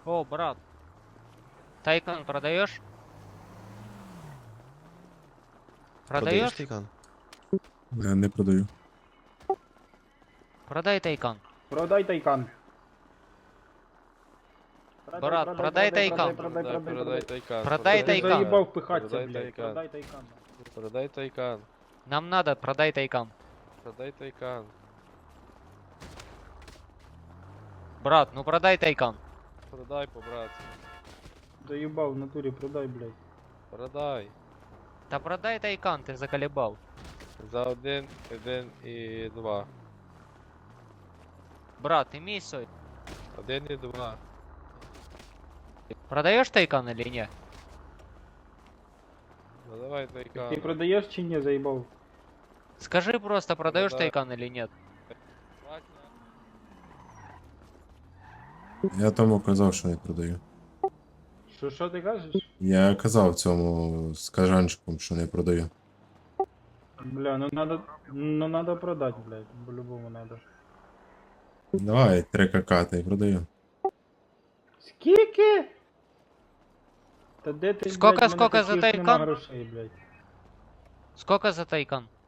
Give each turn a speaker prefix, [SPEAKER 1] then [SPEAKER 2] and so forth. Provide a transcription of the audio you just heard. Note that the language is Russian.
[SPEAKER 1] О, брат. Тайкан продаешь?
[SPEAKER 2] Продаєш
[SPEAKER 1] Продаешь?
[SPEAKER 2] Тайкан?
[SPEAKER 3] Не продаю.
[SPEAKER 1] Продай Тайкан.
[SPEAKER 4] Продай Тайкан.
[SPEAKER 1] Брат, продай Тайкан.
[SPEAKER 5] Продай Тайкан.
[SPEAKER 1] Продай
[SPEAKER 4] Ти
[SPEAKER 1] Тайкан.
[SPEAKER 4] заїбав пихатися,
[SPEAKER 5] Продай
[SPEAKER 4] блядь.
[SPEAKER 5] Тайкан.
[SPEAKER 4] Продай Тайкан.
[SPEAKER 5] Продай Тайкан.
[SPEAKER 1] Нам надо, продай Тайкан.
[SPEAKER 5] Продай Тайкан.
[SPEAKER 1] Брат, ну продай Тайкан.
[SPEAKER 5] Продай по-братськи.
[SPEAKER 4] Заїбав в натурі, продай, блядь.
[SPEAKER 5] Продай.
[SPEAKER 1] Да продай Тайкан, ты заколебал.
[SPEAKER 5] За 1, 1 і 2.
[SPEAKER 1] Брат, имей совесть.
[SPEAKER 5] 1 і 2.
[SPEAKER 1] Продаешь Тайкан или нет?
[SPEAKER 5] Ну давай Тайкан.
[SPEAKER 4] Ти продаєш чи ні, заїбав?
[SPEAKER 1] Скажи просто, продаешь
[SPEAKER 5] Продай.
[SPEAKER 1] Тайкан или нет?
[SPEAKER 3] Я тому казав, що не продаю.
[SPEAKER 4] Що ти кажеш?
[SPEAKER 3] Я казав цьому скажанчику, що не продаю.
[SPEAKER 4] Бля, ну надо продать, блядь. По-любому надо.
[SPEAKER 3] Давай 3 КК, та й продаю.
[SPEAKER 4] Скільки? Та де ти,
[SPEAKER 1] Сколько,
[SPEAKER 4] блядь, в мене
[SPEAKER 1] сколько за
[SPEAKER 4] таких нема
[SPEAKER 1] Тайкан?
[SPEAKER 4] грошей, блядь.
[SPEAKER 1] Сколько за Тайкан?